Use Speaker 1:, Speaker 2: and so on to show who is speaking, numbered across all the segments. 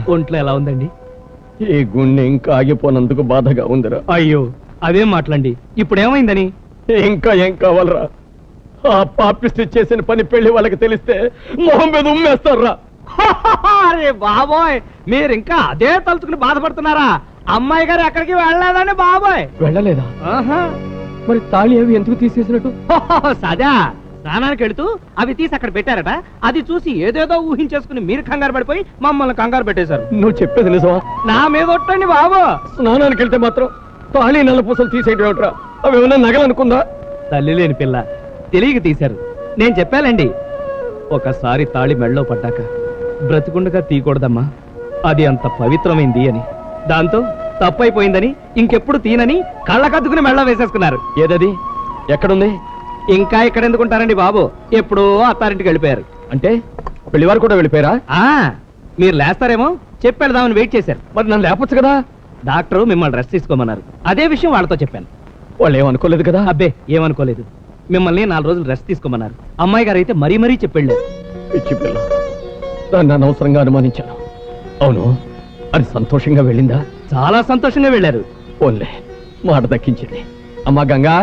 Speaker 1: ఒంట్లో ఎలా ఉందండి?
Speaker 2: ఈ గుండె ఇంకా ఆగిపోనందుకు బాధగా ఉందిరా.
Speaker 1: అయ్యో అదేం మాటలండి, ఇప్పుడు ఏమైందని?
Speaker 2: ఇంకా ఏం కావాలరా? ఆ పాపిస్ట్ చేసిన పని పెళ్లి వాళ్ళకి తెలిస్తే మొహం మీద ఉమ్మేస్తారా?
Speaker 1: అరే బాబోయ్, మీరు ఇంకా అదే తలుచుకుని బాధపడుతున్నారా? అమ్మాయి గారు ఎక్కడికి వెళ్ళలేదండి బాబోయ్.
Speaker 2: వెళ్ళలేదా? మరి తాళి అవి ఎందుకు తీసేసినట్టు?
Speaker 1: సదా స్నానానికి వెళుతూ అవి తీసి అక్కడ పెట్టారట. అది చూసి ఏదేదో ఊహించేసుకుని మీరు కంగారు పడిపోయి మమ్మల్ని కంగారు పెట్టేశారు.
Speaker 2: నువ్వు చెప్పేది నిజమా?
Speaker 1: నా మీద ఒట్టండి బాబు.
Speaker 2: స్నానానికి వెళ్తే మాత్రం తాళి నల్ల పూసలు తీసేయడం ఏమిట్రా? అవి ఏమన్నా నగలనుకుందా?
Speaker 1: తల్లి లేని పిల్ల తెలియక తీశారు. నేను చెప్పాలండి, ఒకసారి తాళి మెళ్ళలో పడ్డాక బ్రతికుండగా తీయకూడదమ్మా, అది అంత పవిత్రమైంది అని. దాంతో తప్పైపోయిందని ఇంకెప్పుడు తీనని కళ్ళకద్దుకుని మెళ్ళ వేసేసుకున్నారు.
Speaker 2: ఏదది? ఎక్కడుంది?
Speaker 1: ఇంకా ఇక్కడ ఎందుకుంటారండి బాబు, ఎప్పుడో అత్తారింటికి వెళ్ళిపోయారు.
Speaker 2: అంటే పెళ్లివారు కూడా వెళ్ళిపోయారా?
Speaker 1: మీరు లేస్తారేమో చెప్పెడదామని వెయిట్ చేశారు.
Speaker 2: మరి నన్ను లేపొచ్చు కదా.
Speaker 1: డాక్టర్ మిమ్మల్ని రెస్ట్ తీసుకోమన్నారు. అదే విషయం వాళ్ళతో చెప్పాను.
Speaker 2: వాళ్ళు ఏమనుకోలేదు కదా?
Speaker 1: అబ్బే ఏమనుకోలేదు. మిమ్మల్ని 4 రోజులు రెస్ట్ తీసుకోమన్నారు. అమ్మాయి గారు అయితే మరీ మరీ చెప్పెళ్ళారు.
Speaker 2: పిచ్చి పిల్ల, దాన్ని అనవసరంగా అనుమానించాను. అవును, అది సంతోషంగా వెళ్ళిందా?
Speaker 1: చాలా సంతోషంగా వెళ్ళారు.
Speaker 2: ఓన్లే మాట దక్కించింది. అమ్మా గంగా,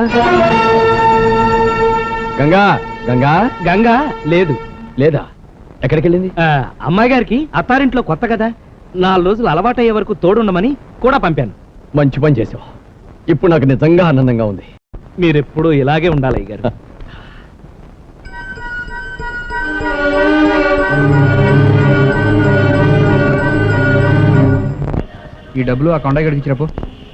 Speaker 2: గంగా గంగా
Speaker 1: గంగా లేదు.
Speaker 2: లేదా? ఎక్కడికి వెళ్ళింది?
Speaker 1: అమ్మాయి గారికి అత్తారింట్లో కొత్త కదా, 4 రోజులు అలవాటయ్యే వరకు తోడుండమని కూడా పంపాను.
Speaker 2: మంచి పని చేసావు. ఇప్పుడు నాకు నిజంగా ఆనందంగా ఉంది.
Speaker 1: మీరెప్పుడు ఇలాగే ఉండాలి అయ్యగారు.
Speaker 3: ఈ డబ్బులు ఆ కొండ గడికి ఇచ్చినప్పు.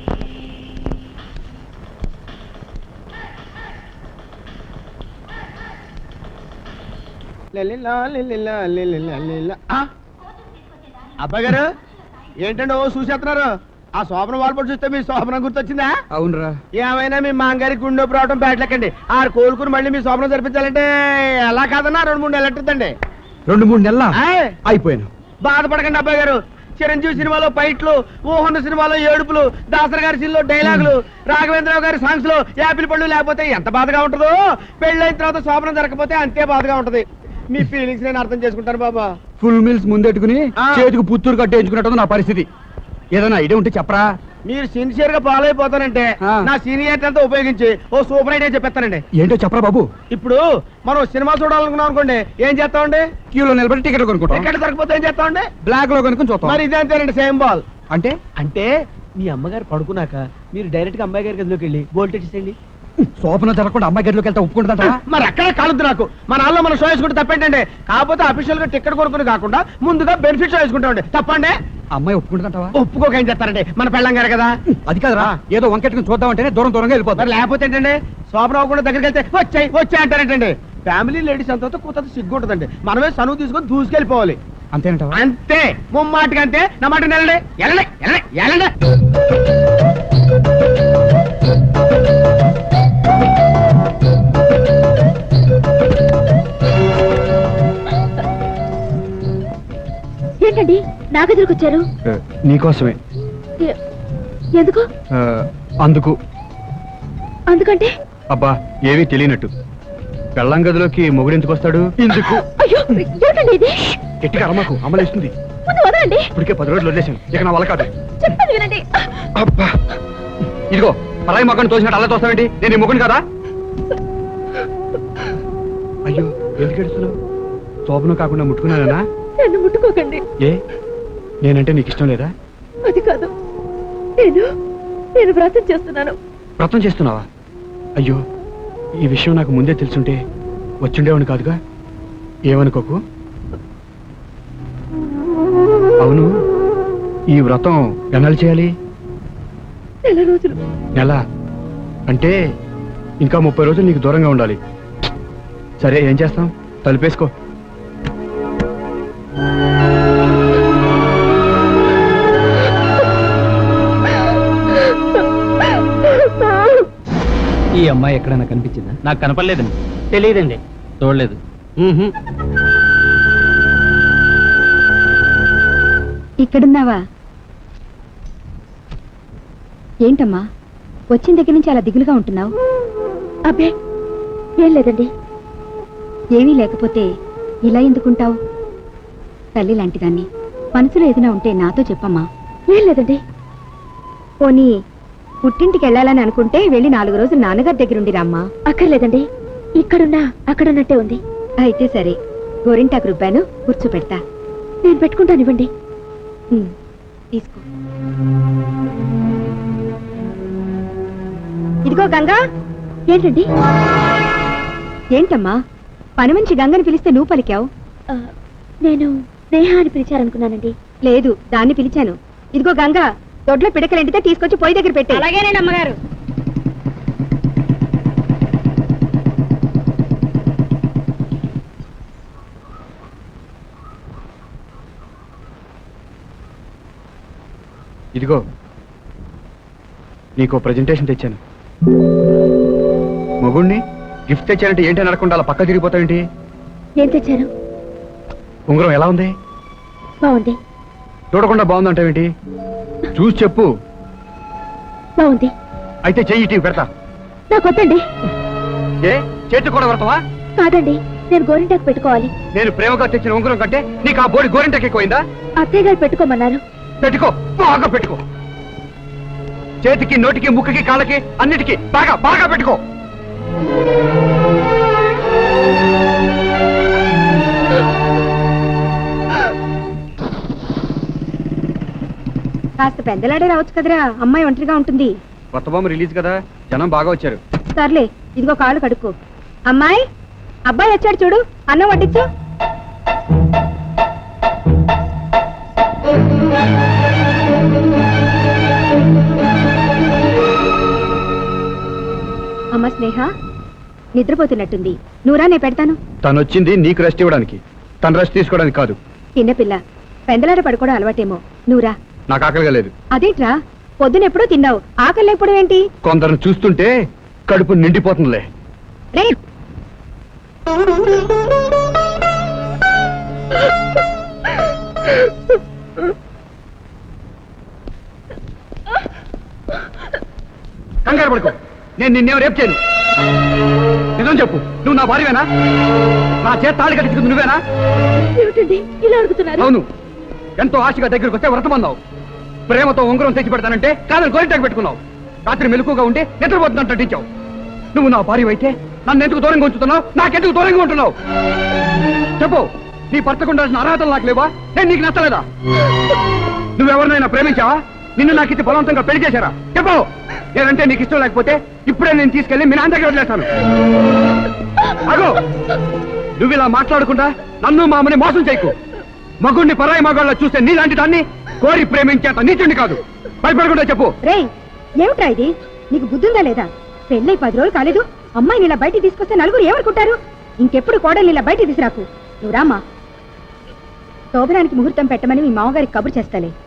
Speaker 4: అబ్బాయి గారు ఏంటండి ఓ చూసేస్తున్నారు? ఆ శోభన వాల్పడి చూస్తే మీ శోభనం గుర్తొచ్చిందా?
Speaker 3: అవునరా.
Speaker 4: ఏమైనా మీ మాంగారి గుండె రావడం బ్యాట్లెక్కండి. ఆరు కోలుకుని మళ్ళీ మీ శోభనం జరిపించాలంటే ఎలా కాదన్నా 2-3 నెలలు ఎట్టుద్దండి.
Speaker 3: 2-3 నెలల అయిపోయాను.
Speaker 4: బాధపడకండి అబ్బాయి గారు. చిరంజీవి సినిమాలో ఫైట్లు, ఊహన్న సినిమాలో ఏడుపులు, దాసరి గారి సినిమాలో డైలాగులు, రాఘవేంద్రరావు గారి సాంగ్స్ లో యాపిల్ పళ్ళు లేకపోతే ఎంత బాధగా ఉంటుందో, పెళ్ళైన తర్వాత శోభనం జరగకపోతే అంతే బాధగా ఉంటది. మీ ఫీలింగ్స్ నేను అర్థం చేసుకుంటాను బాబా.
Speaker 3: ఫుల్ మీల్స్ ముందెట్టుకుని చేతికి పుత్తూరు కట్టేయించుకున్నట్టు నా పరిస్థితి. ఏదైనా ఐడియా ఉంటే చెప్పరా?
Speaker 4: మీరు సిన్సియర్ గా ఫాలో అయిపోతానంటే నా సీనియర్ అంతా ఉపయోగించి ఓ సూపర్ ఐడియా చెప్పేస్తానండి.
Speaker 3: ఏంటో చెప్పరా బాబు.
Speaker 4: ఇప్పుడు మనం సినిమా చూడాలనుకున్నాం అనుకోండి, ఏం చేస్తామండి?
Speaker 3: క్యూలో నిలబడి టికెట్ కొనుక్కుంటాం.
Speaker 4: టికెట్ దొరకపోతే ఏం చేస్తామండి?
Speaker 3: బ్లాక్ లో కొనుక్కొని చూస్తాం.
Speaker 4: మరి ఇదే అంతేనండి, సేమ్ బాల్.
Speaker 3: అంటే
Speaker 1: అంటే మీ అమ్మగారు పడుకున్నాక మీరు డైరెక్ట్ గా అమ్మాయి గారి గదిలోకి వెళ్ళి బోల్ట్ ఇచ్చేయండి.
Speaker 3: శోభన జరగకుండా అమ్మాయి గదిలోకి వెళ్తా ఒప్పుకుంటుందా?
Speaker 4: మరి అక్కడే కాలద్దు నాకు. మన నాన్న మనం షో వేసుకుంటే తప్పేంటండి? కాకపోతే అఫీషియల్ గా టికెట్ కొనుక్కుని కాకుండా ముందుగా బెనిఫిట్ షో వేసుకుంటామండి. తప్పండి?
Speaker 3: అమ్మాయి ఒప్పుకుంటుందంటావా?
Speaker 4: ఒప్పుకోక ఏం చేస్తారండి, మన పెళ్ళం గారు కదా.
Speaker 3: అది కాదురా, ఏదో వంకెట్టుకుని చూద్దామంటేనే దూరంగా వెళ్ళిపోతారు.
Speaker 4: లేకపోతే ఏంటండి, శోభన అవ్వకుండా దగ్గరికి వెళ్తే వచ్చాయి అంటారేంటండి. ఫ్యామిలీ లేడీస్ అంతా కూత సిగ్గు ఉంటుందండి. మనమే సనువు తీసుకొని దూసుకెళ్ళిపోవాలి.
Speaker 3: అంతేనంటావా?
Speaker 4: అంతే, ముమ్మాటికి అంతే. నా మాట వెళ్ళండి.
Speaker 5: ఏంటండి నా గదిలోకి వచ్చారు?
Speaker 3: నీకోసమే.
Speaker 5: ఎందుకు? అందుకంటే
Speaker 3: అబ్బా ఏమీ తెలియనట్టు. పెళ్ళం గదిలోకి మొగుడు ఎందుకు వస్తాడు? ఇందుకు.
Speaker 5: అయ్యో ఏంటండి ఇది?
Speaker 3: గట్టిగా అమ్మకు అమలేస్తుంది.
Speaker 5: వదలండి.
Speaker 3: ఇప్పటికే 10 రోజులు వదిలేశాను, ఇక నా వల్ల కాదు.
Speaker 5: చెప్పండి వినండి.
Speaker 3: అబ్బా ఇదిగో పరాయి మొక్కను తోసినట్టు అలా తోస్తావేంటి? నేను ఈ మొగుడు కదా? అయ్యో ఎందుకు ఎడుస్తున్నావు? శోభను కాకుండా ముట్టుకున్నానా?
Speaker 5: నన్ను ముట్టుకోకండి.
Speaker 3: ఏ నేనంటే నీకు ఇష్టం లేదా?
Speaker 5: అది కాదు, నేను వ్రతం చేస్తున్నాను.
Speaker 3: వ్రతం చేస్తున్నావా? అయ్యో ఈ విషయం నాకు ముందే తెలుసుంటే వచ్చుండేవాడిని కాదుగా. ఏమనుకోకు. అవును, ఈ వ్రతం ఎన్నాళ్ళు చేయాలి?
Speaker 5: 4 రోజులు.
Speaker 3: నెల అంటే ఇంకా 30 రోజులు నీకు దూరంగా ఉండాలి. సరే ఏం చేస్తాం, తలుపేసుకో.
Speaker 1: ఈ అమ్మాయి ఎక్కడైనా కనిపించిందా? నాకు కనపడలేదండి. తెలియదండి. చూడలేదు.
Speaker 5: ఇక్కడున్నావా? ఏంటమ్మా వచ్చిన దగ్గర నుంచి అలా దిగులుగా ఉంటున్నావు? అబ్బే ఏం లేదండి. ఏమీ లేకపోతే ఇలా ఎందుకుంటావు? తల్లి లాంటిదాన్ని మనసులో ఏదైనా ఉంటే నాతో చెప్పమ్మా. ఏం లేదండి. పోనీ పుట్టింటికి వెళ్ళాలని అనుకుంటే వెళ్ళి 4 రోజులు నాన్నగారి దగ్గరుండి రామ్మా. అక్కర్లేదండి, ఇక్కడున్నా అక్కడున్నట్టే ఉంది. అయితే సరే, గోరింటాకు రుబ్బాను, కూర్చోపెడతా. నేను పెట్టుకుంటానివ్వండి. తీసుకో. ఇదిగో గంగా. ఏంటండి? ఏంటమ్మా, పని మంచి గంగని పిలిస్తే నువ్వు పలికావు? నేను స్నేహ అని పిలిచారనుకున్నానండి. లేదు, దాన్ని పిలిచాను. ఇదిగో గంగా, దొడ్లో పిడకలంటితే తీసుకొచ్చి పొయ్యి దగ్గర పెట్టి. అలాగేనండి అమ్మగారు.
Speaker 3: ఇదిగో నీకు ప్రెజెంటేషన్ తెచ్చాను. మగుణ్ణి గిఫ్ట్ తెచ్చానంటే ఏంటి అని అనకుండా అలా పక్క తిరిగిపోతావేంటి?
Speaker 5: ఏం తెచ్చారు?
Speaker 3: ఉంగరం ఎలా ఉంది?
Speaker 5: బాగుంది.
Speaker 3: చూడకుండా బాగుందంటావేంటి? చూసి చెప్పు.
Speaker 5: బాగుంది.
Speaker 3: అయితే చెయ్యి ఇటు పెడతా.
Speaker 5: నాకొద్దండి.
Speaker 3: ఏ చేతి కూడా పెడతావా?
Speaker 5: కాదండి, నేను గోరింటాకు పెట్టుకోవాలి.
Speaker 3: నేను ప్రేమగా తెచ్చిన ఉంగరం కంటే నీకు ఆ బోడి గోరింటకి ఎక్కువైందా?
Speaker 5: అత్తయ్య గారు పెట్టుకోమన్నారు.
Speaker 3: పెట్టుకో, బాగా పెట్టుకో. చేతికి, నోటికి, ముక్కుకి, కాళ్ళకి అన్నిటికీ బాగా బాగా పెట్టుకో.
Speaker 5: కాస్త పెద్దలాడే రావచ్చు కదరా, అమ్మాయి ఒంటరిగా ఉంటుంది.
Speaker 3: కొత్త బొమ్మ రిలీజ్ కదా, జనం బాగా వచ్చారు.
Speaker 5: సర్లే, ఇదిగో కాళ్ళు కడుక్కో. అమ్మాయి, అబ్బాయి వచ్చాడు చూడు, అన్నం వడ్డించు. అమ్మ స్నేహ నిద్రపోతున్నట్టుంది, నువ్వురా, నేను పెడతాను.
Speaker 3: తను వచ్చింది నీకు రెస్ట్ ఇవ్వడానికి, తను రెస్ట్ తీసుకోవడానికి కాదు.
Speaker 5: చిన్నపిల్ల పెందలాడ పడుకోవడం అలవాటేమో, నువ్వురా.
Speaker 3: నాకు ఆకలిగా లేదు.
Speaker 5: అదేంట్రా, పొద్దునెప్పుడూ తిన్నావు, ఆకలి లేకపోవడం ఏంటి?
Speaker 3: కొందరు చూస్తుంటే కడుపు నిండిపోతుందిలే.
Speaker 5: రే,
Speaker 3: కంగారు పడుకో, నేను నిన్నేం రేపు చేయను. నిజం చెప్పు, నువ్వు నా భార్యవేనా? నా చేత తాళి కట్టించుకుంది నువ్వేనా?
Speaker 5: ఏమిటండి ఇలా అడుగుతున్నారు?
Speaker 3: అవును, ఎంతో ఆశగా దగ్గరకు వస్తే వ్రతమన్నావు. ప్రేమతో ఉంగరం తెచ్చి పెడతానంటే కాదని గోరింటాకు పెట్టుకున్నావు. రాత్రి మెలకుగా ఉంటే నిద్రపోతున్నట్టు నటించావు. నువ్వు నా భార్య అయితే నన్ను ఎందుకు దూరంగా ఉంచుతున్నావు? నాకెందుకు దూరంగా ఉంటున్నావు? చెప్పు, నీ భర్తకు ఉండాల్సిన అర్హతలు నాకు లేవా? నేను నీకు నచ్చలేదా? నువ్వెవరినైనా ప్రేమించావా? నిన్ను నాకు ఇచ్చి బలవంతంగా పెళ్లి చేశారా? చెప్పు. లేదంటే నీకు ఇష్టం లేకపోతే ఇప్పుడే నేను తీసుకెళ్లి మీ నాన్న దగ్గర వదిలేస్తాను. అగో, నువ్వు ఇలా మాట్లాడకుండా నన్ను మామని మోసం చేయకు. మగుణ్ణి పరాయి మగాళ్ళ చూస్తే నీలాంటి దాన్ని కోరి ప్రేమించేంత నీచుండి కాదు. భయపడకుండా చెప్పు.
Speaker 5: రే, ఏమిట్రా ఇది? నీకు బుద్ధుందా లేదా? పెళ్ళై 10 రోజులు కాలేదు, అమ్మాయిని ఇలా బయటికి తీసుకొస్తే నలుగురు ఏమనుకుంటారు? ఇంకెప్పుడు కోడల్ని ఇలా బయటికి తీసుకురాకు. నువ్వు రామ్మా. శోభనానికి ముహూర్తం పెట్టమని మీ మామగారికి కబురు చేస్తాలే.